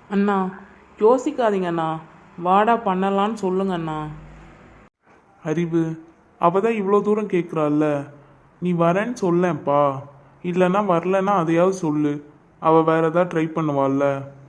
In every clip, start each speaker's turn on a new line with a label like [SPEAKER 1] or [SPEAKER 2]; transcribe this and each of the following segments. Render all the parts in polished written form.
[SPEAKER 1] அண்ணா யோசிக்காதீங்க அண்ணா. வாடா பண்ணலான்னு சொல்லுங்க அண்ணா.
[SPEAKER 2] அறிவு, அவ தான் இவ்வளோ தூரம் கேட்குறாள்ல, நீ வரேன்னு சொல்லேன்ப்பா. இல்லைன்னா வரலன்னா அதையாவது சொல்லு. அவள் வேற ஏதாவது ட்ரை பண்ணுவாள்ல.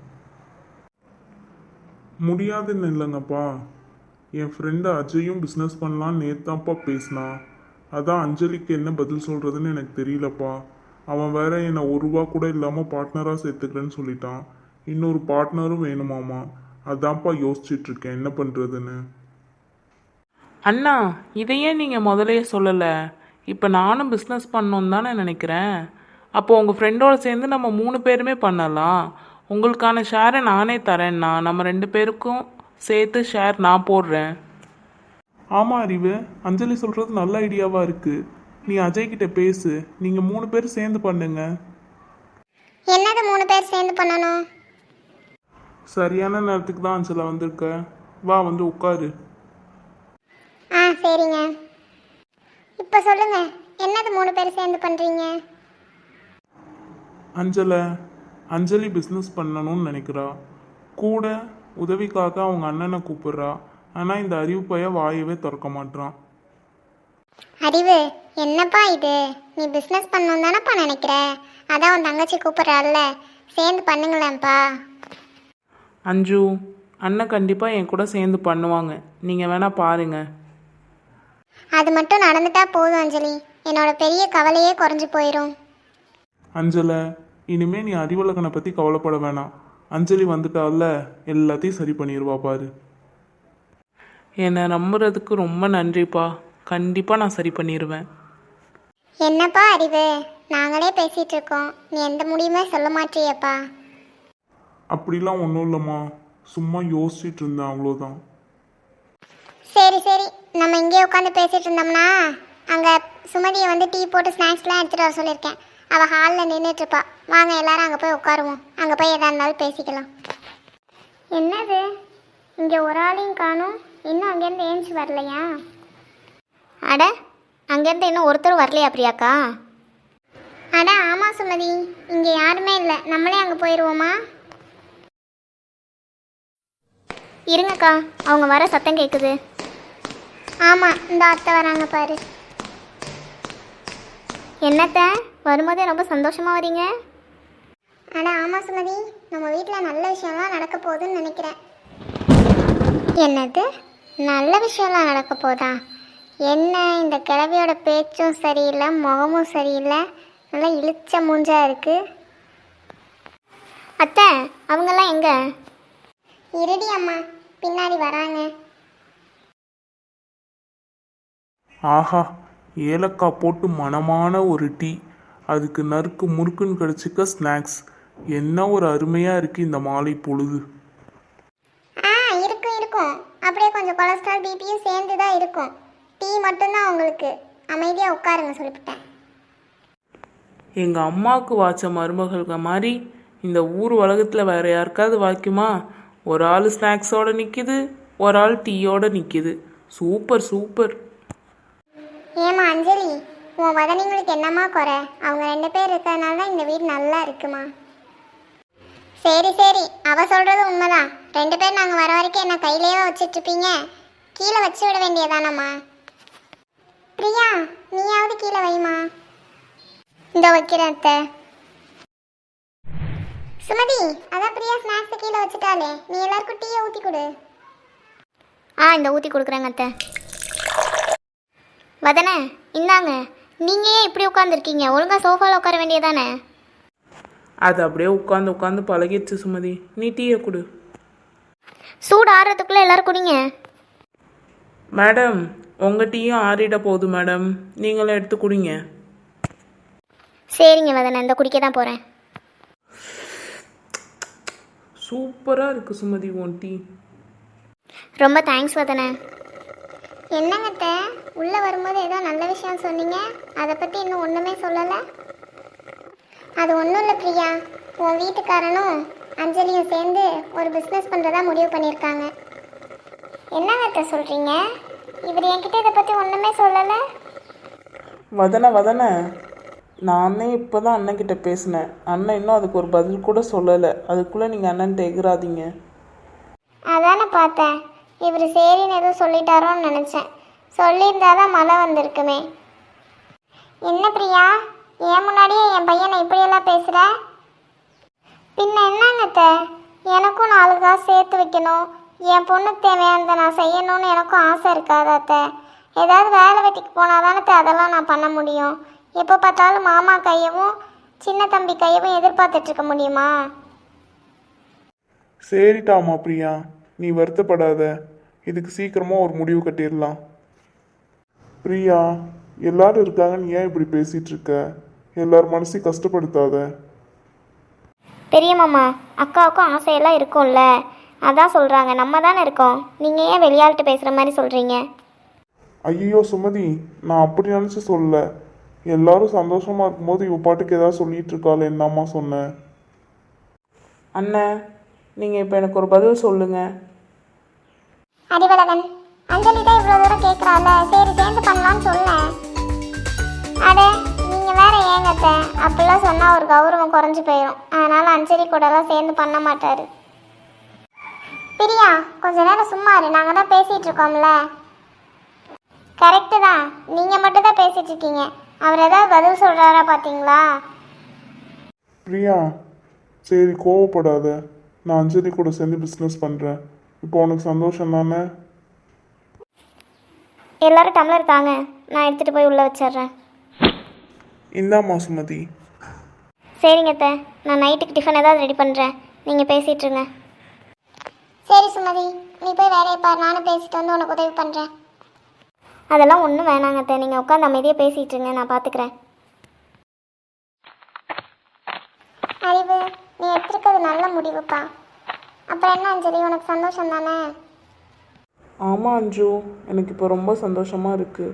[SPEAKER 2] முடியாதுன்னு இல்லைங்கப்பா. என் ஃப்ரெண்டு அஜயும் பிஸ்னஸ் பண்ணலான்னு நேத்தான்ப்பா பேசினான். அதான் அஞ்சலிக்கு என்ன பதில் சொல்கிறதுன்னு எனக்கு தெரியலப்பா. அவன் வேற என்னை ஒரு ரூபா கூட இல்லாமல் பார்ட்னராக சேர்த்துக்கிறேன்னு சொல்லிட்டான். இன்னொரு பார்ட்னரும் வேணுமாமா. அதான்ப்பா யோசிச்சுட்டு இருக்கேன் என்ன பண்ணுறதுன்னு.
[SPEAKER 1] அண்ணா இதையே நீங்கள் முதலையே சொல்லலை. இப்போ நானும் பிஸ்னஸ் பண்ணணுன்னு தானே நினைக்கிறேன். அப்போது உங்கள் ஃப்ரெண்டோடு சேர்ந்து நம்ம 3 பேருமே பண்ணலாம். உங்களுக்கான ஷேரை நானே தரேன்ண்ணா. நம்ம 2 பேருக்கும் சேர்த்து ஷேர் நான் போடுறேன்.
[SPEAKER 2] ஆமாம் அறிவு, அஞ்சலி சொல்கிறது நல்ல ஐடியாவாக இருக்குது. நீ அஜய் கிட்ட பேசு. நீங்கள் 3 பேர் சேர்ந்து பண்ணுங்க.
[SPEAKER 3] என்னது 3 பேர் சேர்ந்து பண்ணணும்?
[SPEAKER 2] சரியான நேரத்துக்கு தான் அஞ்சலா வந்திருக்க. வா வந்து உட்காரு.
[SPEAKER 3] ஆ சரிங்க. இப்போ சொல்லுங்க, என்னது 3 பேர் சேர்ந்து பண்ணுறீங்க?
[SPEAKER 2] அஞ்சலி பிஸ்னஸ் பண்ணணும்னு நினைக்கிறா. கூட உதவிக்காக அவங்க அண்ணனை கூப்பிடுறா. ஆனால் இந்த அறிவு பைய வாயவே திறக்க மாட்டான்.
[SPEAKER 3] அறிவு, என்னப்பா இது? நீ பிஸ்னஸ் பண்ணணும் தானப்பா நினைக்கிற? அதான் உன் தங்கச்சி கூப்பிட்றாள்ல, சேர்ந்து பண்ணுங்களேன்ப்பா.
[SPEAKER 1] அஞ்சு, அண்ணன் கண்டிப்பாக என் கூட சேர்ந்து பண்ணுவாங்க. நீங்கள் வேணால் பாருங்கள்.
[SPEAKER 3] அது மட்டும் நடந்துட்டா போதும் அஞ்சலி, என்னோட பெரிய கவலையே குறைஞ்சி போயிடும்.
[SPEAKER 2] அஞ்சலை, இனிமே நீ அறிவழகனை பற்றி கவலைப்பட வேணாம். அஞ்சலி வந்துட்டால எல்லாத்தையும் சரி பண்ணிடுவா பாரு.
[SPEAKER 1] என்னை நம்புறதுக்கு ரொம்ப நன்றிப்பா. கண்டிப்பாக நான் சரி பண்ணிடுவேன்.
[SPEAKER 3] என்னப்பா அறிவு, நாங்களே பேசிகிட்டு இருக்கோம், நீ எந்த முடியுமே சொல்ல மாட்டியப்பா.
[SPEAKER 2] அப்படிலாம் ஒன்றும் இல்லைம்மா, சும்மா யோசிச்சுட்டு இருந்தேன் அவ்வளோதான்.
[SPEAKER 3] சரி சரி, நம்ம இங்கே உட்காந்து பேசிகிட்டு இருந்தோம்னா அங்கே சுமதியை வந்து டீ போட்டு ஸ்நாக்ஸ்லாம் எடுத்துகிட்டு வர சொல்லியிருக்கேன். அவள் ஹாலில் நின்றுட்டுருப்பா. வாங்க எல்லாரும் அங்கே போய் உட்காருவோம். அங்கே போய் எதாக இருந்தாலும் பேசிக்கலாம். என்னது, இங்கே ஒரு ஆளையும் காணும், இன்னும் அங்கேருந்து ஏஞ்சி வரலையா?
[SPEAKER 4] அட, அங்கேருந்து இன்னும் ஒருத்தரும் வரலையா பிரியாக்கா?
[SPEAKER 3] அட ஆமாம் சுமதி, இங்கே யாருமே இல்லை, நம்மளே அங்கே போயிடுவோமா?
[SPEAKER 4] இருங்கக்கா, அவங்க வர சத்தம் கேட்குது.
[SPEAKER 3] ஆமாம், இந்த அத்தை வராங்க பாரு.
[SPEAKER 4] என்னத்த, வரும்போதே ரொம்ப சந்தோஷமாக வரீங்க?
[SPEAKER 3] அட ஆமாம் சுமதி, நம்ம வீட்டில் நல்ல விஷயம்லாம் நடக்க போகுதுன்னு நினைக்கிறேன். என்னது, நல்ல விஷயம்லாம் நடக்க போதா? என்ன இந்த கிழவியோட பேச்சும் சரியில்லை, முகமும் சரியில்லை, நல்லா இழுச்ச மூஞ்சா இருக்கு.
[SPEAKER 4] அத்தை, அவங்கெல்லாம் எங்கே?
[SPEAKER 3] இருடி அம்மா, பின்னாடி வராங்க.
[SPEAKER 2] ஆஹா, ஏலக்காய் போட்டு மணமான ஒரு டீ, அதுக்கு நறுக்கு முறுக்குன்னு கிடச்சிக்க ஸ்நாக்ஸ். என்ன ஒரு அருமையாக இருக்குது இந்த மாலை பொழுது.
[SPEAKER 3] இருக்கும் இருக்கும், அப்படியே கொஞ்சம் கொலஸ்ட்ரால் பிபியும் சேர்ந்து தான் இருக்கும். டீ மட்டும்தான் உங்களுக்கு. அமைதியாக உட்காருங்க சொல்லிவிட்டேன்.
[SPEAKER 1] எங்கள் அம்மாவுக்கு வாய்ச்ச மருமகள்க மாதிரி இந்த ஊர் உலகத்தில் வேறு யாருக்காவது வாய்க்குமா? ஒரு ஆள் ஸ்நாக்ஸோடு நிற்கிது, ஒரு ஆள் டீயோடு நிற்கிது. Super super.
[SPEAKER 3] ஏமா அஞ்சலி, உன் வதனிங்களுக்கு என்னம்மா குறை? அவங்க 2 பேர் இருக்கிறதுனால தான் இந்த வீடு நல்லா இருக்குமா? சரி சரி, அவ சொல்கிறது உண்மைதான். 2 பேர் நாங்கள் வர வரைக்கும் என்ன கையிலேயே வச்சிட்ருப்பீங்க? கீழே வச்சு விட வேண்டியதானம்மா. பிரியா, நீயாவது கீழே வைமா. இந்த வைக்கிறேன் அத்தை. சுமதி, அதான் பிரியா ஸ்நாக்ஸ் கீழே வச்சுட்டாலே, நீ எல்லாருக்கும் டீயை ஊற்றி கொடு.
[SPEAKER 4] இந்த ஊற்றி கொடுக்குறேங்க அத்தை. வதனே, இந்தாங்க. நீங்கள் ஏன் இப்படி உட்காந்துருக்கீங்க? ஒழுங்காக சோஃபாவில் உட்கார வேண்டியதானே?
[SPEAKER 1] அது அப்படியே உட்காந்து உட்காந்து பழகிடுச்சு சுமதி. நீ டீயை கொடு.
[SPEAKER 4] சூடு ஆறுறதுக்குள்ளே எல்லோரும் குடிங்க.
[SPEAKER 1] மேடம், உங்கள் டீயும் ஆறிட போகுது மேடம், நீங்களும் எடுத்து குடிங்க.
[SPEAKER 4] சரிங்க வதனே, இந்த குடிக்க தான் போகிறேன்.
[SPEAKER 1] சூப்பராக இருக்குது சுமதி உன் டீ.
[SPEAKER 4] ரொம்ப தேங்க்ஸ் வதனே.
[SPEAKER 3] என்னங்கத்த, உள்ளே வரும்போது ஏதோ நல்ல விஷயம் சொன்னீங்க, அதை பற்றி இன்னும் ஒன்றுமே சொல்லலை. அது ஒன்றும் இல்லை பிரியா, உன் வீட்டுக்காரனும் அஞ்சலியும் சேர்ந்து ஒரு பிஸ்னஸ் பண்ணுறதா முடிவு பண்ணியிருக்காங்க. என்னங்கத்த சொல்கிறீங்க? இவர் என்கிட்ட இதை பற்றி ஒன்றுமே சொல்லலை.
[SPEAKER 1] வதன நானே இப்போ தான் அண்ணன்கிட்ட பேசினேன். அண்ணன் இன்னும் அதுக்கு ஒரு பதில் கூட சொல்லலை. அதுக்குள்ளே நீங்கள் அண்ணன்ட்ட எகுறாதீங்க.
[SPEAKER 3] அதானே பார்த்தேன், இவர் சரின்னு எதுவும் சொல்லிட்டாரோன்னு நினச்சேன். சொல்லியிருந்தாதான் மழை வந்திருக்குமே. என்ன பிரியா, ஏன் முன்னாடியே என் பையனை இப்படியெல்லாம் பேசுகிற? பின்ன என்னங்க அத்தை, எனக்கும் 4 காசு சேர்த்து வைக்கணும், என் பொண்ணுக்கு தேவையானதை நான் செய்யணும்னு எனக்கும் ஆசை இருக்காது அத்தை. ஏதாவது வேலை வெட்டிக்கு போனால் தானே அதெல்லாம் நான் பண்ண முடியும். எப்போ பார்த்தாலும் மாமா கையவும் சின்ன தம்பி கையவும் எதிர்பார்த்துட்ருக்க முடியுமா?
[SPEAKER 2] சரிட்டாமா பிரியா, நீ வருத்தப்படாத. இதுக்கு சீக்கிரமாக ஒரு முடிவு கட்டிடலாம். பிரியா, எல்லாரும் இருக்காங்க, நீ ஏன் இப்படி பேசிகிட்டு இருக்க? எல்லார் மனசையும் கஷ்டப்படுத்தாத.
[SPEAKER 4] பெரிய மாமா, அக்காவுக்கும் ஆசையெல்லாம் இருக்கும்ல, அதான் சொல்கிறாங்க. நம்ம தானே இருக்கோம், நீங்கள் ஏன் வெளியாள்கிட்ட பேசுகிற மாதிரி சொல்கிறீங்க?
[SPEAKER 2] ஐயோ சுமதி, நான் அப்படி நினச்சி சொல்லல. எல்லாரும் சந்தோஷமாக இருக்கும்போது இவ பாட்டுக்கு ஏதாவது சொல்லிட்டு இருக்காள், என்னம்மா சொன்னேன்?
[SPEAKER 1] அண்ணன், நீங்கள் இப்போ எனக்கு ஒரு பதில் சொல்லுங்கள்.
[SPEAKER 3] அறிவழகன், அஞ்சலி தான் இவ்வளோ தூரம் கேட்குறாள், சரி சேர்ந்து பண்ணலான்னு சொன்னேன். அட நீங்கள் வேற ஏங்கத்த, அப்படிலாம் சொன்னால் ஒரு கௌரவம் குறைஞ்சி போயிடும். அதனால் அஞ்சலி கூடலாம் சேர்ந்து பண்ண மாட்டார். பிரியா, கொஞ்ச நேரம் சும்மா இரு, நாங்கள் தான் பேசிகிட்டு இருக்கோம்ல. கரெக்டு தான், நீங்கள் மட்டும் தான் பேசிகிட்டு இருக்கீங்க. அவர் ஏதாவது பதில் சொல்கிறாரா பார்த்தீங்களா?
[SPEAKER 2] பிரியா, சரி கோவப்படாத. நான் அஞ்சலி கூட சேர்ந்து பிஸ்னஸ் பண்ணுறேன். இப்போ உனக்கு சந்தோஷம் தானே?
[SPEAKER 4] எல்லாரும் டம்ளர் தாங்க, நான் எடுத்துகிட்டு போய் உள்ளே வச்சிட்றேன்.
[SPEAKER 2] இந்தாம்மா சுமதி.
[SPEAKER 4] சரிங்க அத்தை, நான் நைட்டுக்கு டிஃபன் ஏதாவது ரெடி பண்ணுறேன், நீங்கள் பேசிகிட்ருங்க.
[SPEAKER 3] சரி சுமதி, நீ போய் வேலையை பாரு, நானும் பேசிட்டு வந்து உனக்கு உதவி பண்ணுறேன்.
[SPEAKER 4] அதெல்லாம் ஒன்றும் வேணாங்க அத்தை, நீங்கள் உட்காந்து அமைதியாக பேசிகிட்ருங்க, நான் பார்த்துக்கிறேன்.
[SPEAKER 3] அறிவு, நீ எடுத்துருக்கிறது நல்ல முடிவுப்பா. அப்புறம் என்ன அஞ்சலி, உனக்கு சந்தோஷம் தானே?
[SPEAKER 1] ஆமாம் அஞ்சு, எனக்கு இப்போ ரொம்ப சந்தோஷமாக இருக்குது.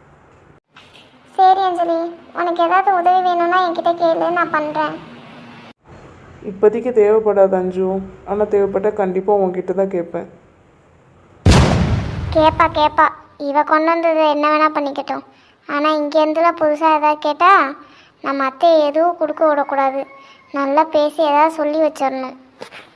[SPEAKER 3] சரி அஞ்சலி, உனக்கு ஏதாவது உதவி வேணும்னா என்கிட்ட கேளு, நான் பண்ணுறேன்.
[SPEAKER 1] இப்போதைக்கு தேவைப்படாது அஞ்சு, ஆனால் தேவைப்பட்டால் கண்டிப்பாக உங்ககிட்ட தான் கேட்பேன்.
[SPEAKER 3] கேப்பா, இவ கொண்டு வந்தது என்ன வேணால் பண்ணிக்கட்டும். ஆனால் இங்கேருந்துலாம் புதுசாக ஏதாவது கேட்டால் நம்ம அத்தையை எதுவும் கொடுக்க விடக்கூடாது. நல்லா பேசி ஏதாவது சொல்லி வச்சிடணும்.